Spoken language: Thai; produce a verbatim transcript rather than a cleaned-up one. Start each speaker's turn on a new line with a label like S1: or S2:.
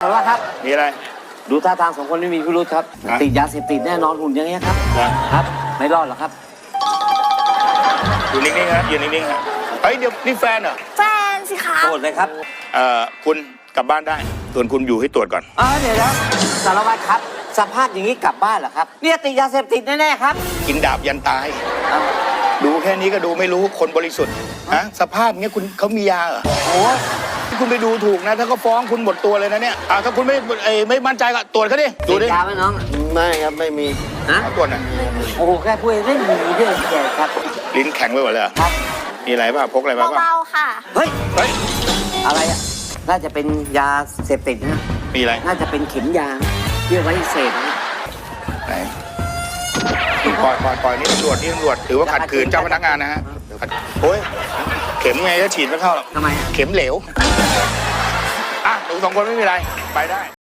S1: ารวัตรครับ
S2: มีอะไร
S1: ดูท่าทางสองคนไม่มีพิรุธครับติดยาเสพติดแน่นอนหุ่นอย่างเงี้ยครับครับไม่รอดหรอกครับ
S2: อยู่นิ่งๆฮะอยู่นิ่งๆฮะเฮ้ยเดี๋ยวนี่แฟนเหรอ
S3: แฟนสิคะ
S1: โทษเลยครับ
S2: เอ่อคุณกลับบ้านได้ส่วนคุณอยู่ให้ตรวจก่อน
S1: อ๋อเดี๋ยวนะสารวัตรครับสภาพอย่างนี้กลับบ้านเหรอครับเนี่ยติดยาเสพติดแน่ๆครับ
S2: กินดาบยันตายดูแค่นี้ก็ดูไม่รู้คนบริสุทธิ์ฮะสภาพเงี้ยคุณเขามียาเหรอ
S1: โอ้
S2: คุณไปดูถูกนะถ้าเขาฟ้องคุณหมดตัวเลยนะเนี่ยอ่าถ้าคุณไม่ไม่มั่นใจก็ตรวจเขาดิดูดิ
S1: ยาไหมน้อง
S4: ไม่ครับไม่มี
S1: นะ
S2: ตรวจหน่อย
S1: โอ้โหแค่พูดเล่นหนีด้วยแกครับ
S2: ลิ้นแข็งไปหมดเลยครับมีอะไรป่ะพกอะไรป่ะ
S3: เบาๆค่ะ
S1: เฮ้ย
S2: เฮ้ย
S1: อะไรอ่ะน่าจะเป็นยาเสพติดนะ
S2: มีอะไร
S1: น่าจะเป็นเข็มยาที่ไว้เสพนะ
S2: ไหนปล่อยปล่อยปล่อยนี่ตำรวจนี่ตำรวจถือว่าขัดขืนเจ้าพนักงานนะฮะโอ้ยเข็มไงจะฉีดไม่เข้าหรอก
S1: ทำไม
S2: เข็มเหลวอ่ะหนูสองคนไม่มีอะไรไปได้